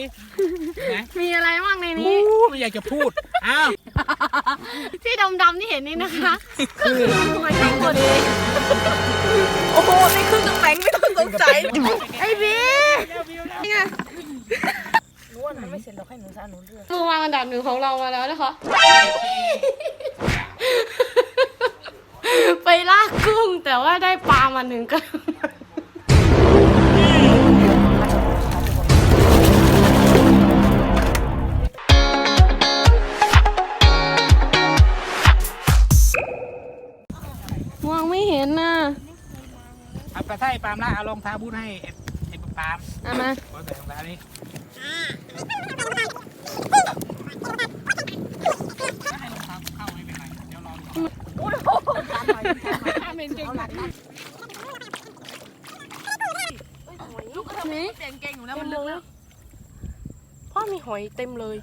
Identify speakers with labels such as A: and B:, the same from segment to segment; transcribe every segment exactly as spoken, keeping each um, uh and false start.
A: มีอะไรบ้างในนี้
B: ไม่อยากจะพูดอ้าว
A: ที่ดำๆที่เห็นนี่นะคะคือหอยแครงหมดเลย
C: โอ้โหไม่ขึ้นกับแป้งไม่ต้องสงสัย
A: ไอ้บีนี่ไง
C: หนูว่ามันไม่เสร็จเราให้หนูซะหนูเลือก
A: มือวางอันดับหนึ่งของเรามาแล้วนะคะไปลากกุ้งแต่ว่าได้ปลามาหนึ่งกันมองไม่เห็นน่ะ
B: เอาไปใส่ปามละเอารองเท้าบูทให้ไอ้ปาม
A: เอามา
B: ขอใส่รองเท้านี้ให้รองเท้าเข้าไม่เป็นไรเดี๋ยวรอดู
C: โอ้โหทำไมทำไมเก่งหนักลูกก็ทำให้เก่งเก่งอยู่แล้วมันเลือกพ่อมีหอยเต็มเลย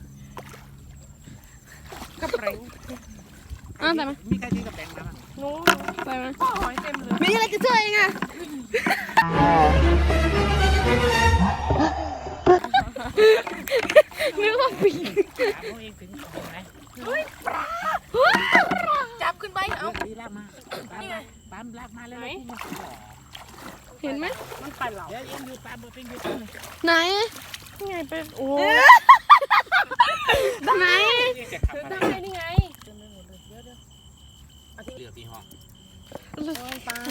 C: กระเป๋ง
A: อ้าวแต่ไหม
B: มีใครซื้อกระแปงมา
C: หนู
A: ไปไหม
C: พ่อหอยเต็มเลย
A: มีอะไรจะช่วยไงนึกว่าปี
B: เขาเองถึงเห็นไหม
C: เฮ้ยปลาจับขึ้นไปเอา
B: ดีลากมาปามลากมาเลย
A: เห็นไหม
C: มันไปเหรอ
B: เดี๋ยวยังอยู่ปามเบอร์เป็นอยู่ตรงไหน
A: ไหน
C: นี่ไงเป็นโอ้
A: ไหน
C: ได้นี่ไง
B: เหลือที่ห้อง
C: ปลา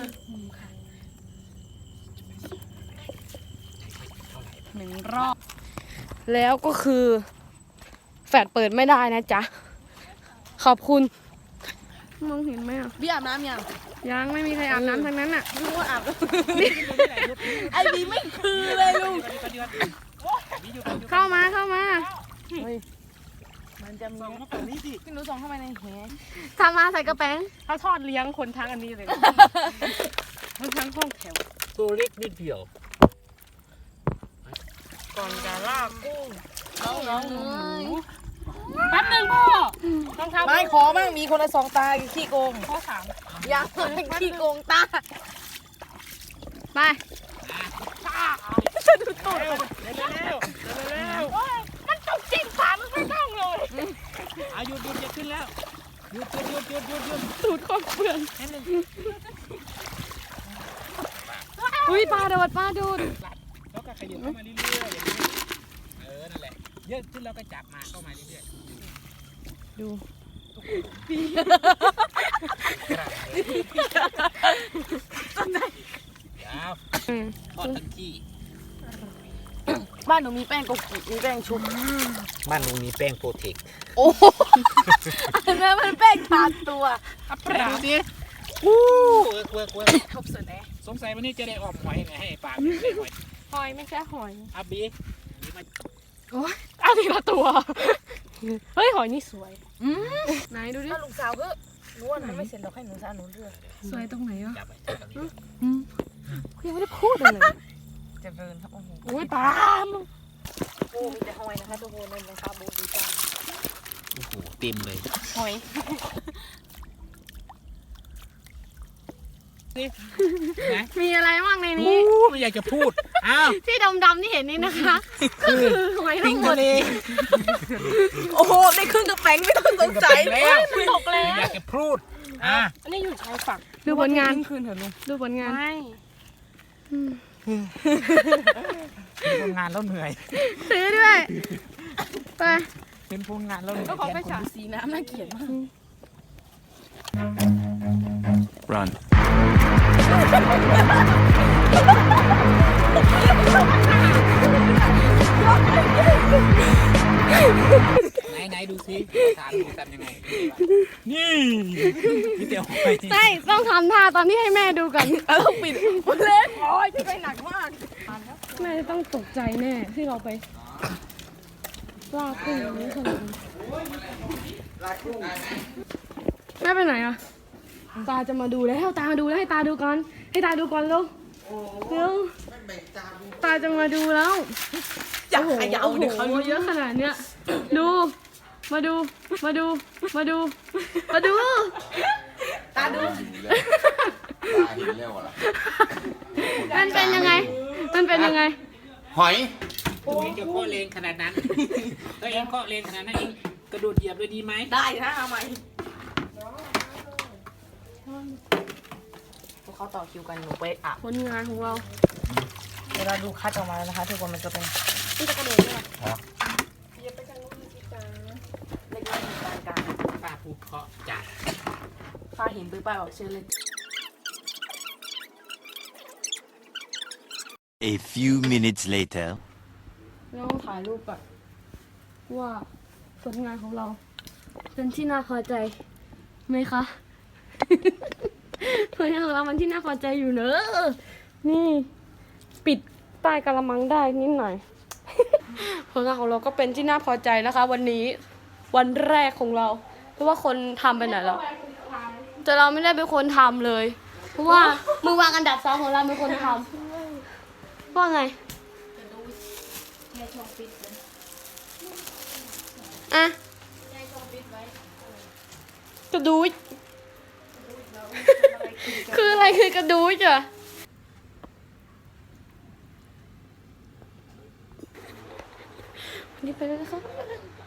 A: หนึ่งรอบแล้วก็คือแฟลชเปิดไม่ได้นะจ๊ะขอบคุณมองเห็นไหมอ่ะ
C: พี่อาบน้ำยัง
A: ยังไม่มีใครอาบน้ำทั้งนั้นอ่ะ
C: รู้ว่าอาบไอ้บีไม่คือเลยลุง
A: เข้ามาเข้ามา
C: มันจะมีพี่หนูส่งเข้ามาในแห
A: ทำมาใส่กระแป้ง
C: เขาทอดเลี้ยงคนทั้งอันนี้เลยทั้งทั้งห้องแถว
B: ตัวเล็กนิดเดียว
C: ก่อนจะลากกุ้งน้องน้อง
A: แป๊บนึงพ่อ
C: ต้องทำไม่ขอมั่งมีคนละสองตาขี้โกงข้อสามอยากเป็นขี้โกงตา
A: ไป
C: จะดูตูด
B: เร็วเร็วเร็ว
C: มันตกจริงขามันไม่ต้องเลย
B: อายุหยุดจะขึ้นแล้วหยุดหยุดหยุดหยุดหยุด
A: ตูดคอเปลือนอุ้ยปลาโดดปลาโดด
B: แล้วก็ขยับเข้ามาเรื่อยๆอย่างนี้เออนั่นแหละเยอะขึ้นแล้วก็จับมาเข้ามาเรื่อย
A: ๆดู
B: ปี
C: ต้นไหน
B: ยาวทอดทั้งที่
C: บ้านหนูมีแป้งโกกิมีแป้งชุบ
B: บ้านหนูมีแป้งโปรเทค
C: โอ้อันนั้นมันแป้งทานตัว
B: ดูสิอู้เออเออเออ
C: ทบสุดเลย
B: สงสัยวันนี้จะได้ออกหอยไงให้ปลาได้หอย
C: หอยไม่ใช่หอย
B: อับบี
C: โอ้ยอันนี้ละตัวเฮ้ยหอยนี่สวย
A: ไหนดูดิ
C: ลูกสาวเพื่อหนูว่ามันไม่เสร็จเราให้หนูซะหนูเลือก
A: สวยตรงไหนอ่ะ
C: ยังไม่ได้พูดเลยจะเดินครับโอ้โหโอ้ยปลาโอ้มีแต่หอยนะคะทุกคนเลยนะคะโบดูจ้า
B: โอ้โหเต็มเลย
C: หอย
A: มีอะไรบ้างในนี้
B: ไม่อยากจะพูดอ้าว
A: ที่ดำๆที่เห็นนี่นะคะคือหอยทั้งหมดเลย
C: โอ้โหได้ครึ่งกับแป้งไม่ต้องสงสัย
B: แล้ว
C: มันตกแล้ว
B: อยากจะพูดอ่ะ
C: อันนี้อยู่ชายฝั่ง
A: ดูผลงาน
C: คืนเถอะลุง
A: ดูผลงาน
C: ไม่
B: ดูผลงานแล้วเหนื่อย
A: ซื้อด้วยไป
B: เป็นผลงานแล้วเหนื่อย
C: ก็ขอไปฉากสีน้ำน่าเกลียดมาก
D: Run
B: ไหนไหนดูซิทานดูทำยังไงนี่นี่เดี๋ยวไป
A: ใช่ต้องทำท่าตอนที่ให้แม่ดูกัน
C: ต้องปิดเล่นโอ้ยพี่ไปหนักมาก
A: แม่ต้องตกใจแน่ที่เราไปลากกุ้งอย่างนี้ขนาดนี้แม่ไปไหนอ่ะตาจะมาดูแล้วตามาดูแล้วให้ตาดูก่อนให้ตาดูก่อนลูกเร็วตาจะมาดูแล้ว
C: อยากขยับ
A: เดี๋ยวเขาเยอะขนาดเนี้ยดูมาดูมาดูมาดูมาดู
C: ตาดู
A: มันเป็นยังไงมันเป็นยังไง
E: หอย
B: ตัวเองจะเคาะแรงขนาดนั้นตัวเองเคาะแรงขนาดนั้นเองกระโดดเหยียบเลยดีไหม
C: ได้นะเอาใหม่พวกเขาต่อคิวกันหนูไปอาบ
A: ผลงานของเรา
C: เวลาดูคัดออกมาแล้วนะคะทุกคนมันจะเป็น
A: นี่จะกระโดดเลย
B: ครับ
A: อย่าไปทางนู้นพี่จ๋า
C: เล็กน้อยมีการกลาง
B: ป้าผูกเคาะจัด
C: ฟ้าเห็นปื้อป้ายบอกเชิญเลย
D: A few minutes later.
A: เราต้องถ่ายรูปก่อนว่าผลงานของเรา เป็นที่น่าพอใจไหมคะ ผลงานของเรามันที่น่าพอใจอยู่เนอะนี่ ปิดใต้กระมังได้นิดหน่อย ผลงานของเราก็เป็นที่น่าพอใจนะคะ วันนี้วันแรกของเรา เพราะว่าคนทำไปไหนแล้วแต่เราไม่ได้เป็นคนทำเลย เพราะว่ามือวางอันดับสองของเราเป็นคนทำว่าไงอะกระดูดคืออะไรคือกระดูดอ่ะวันนี้ไปแล้วนะครับ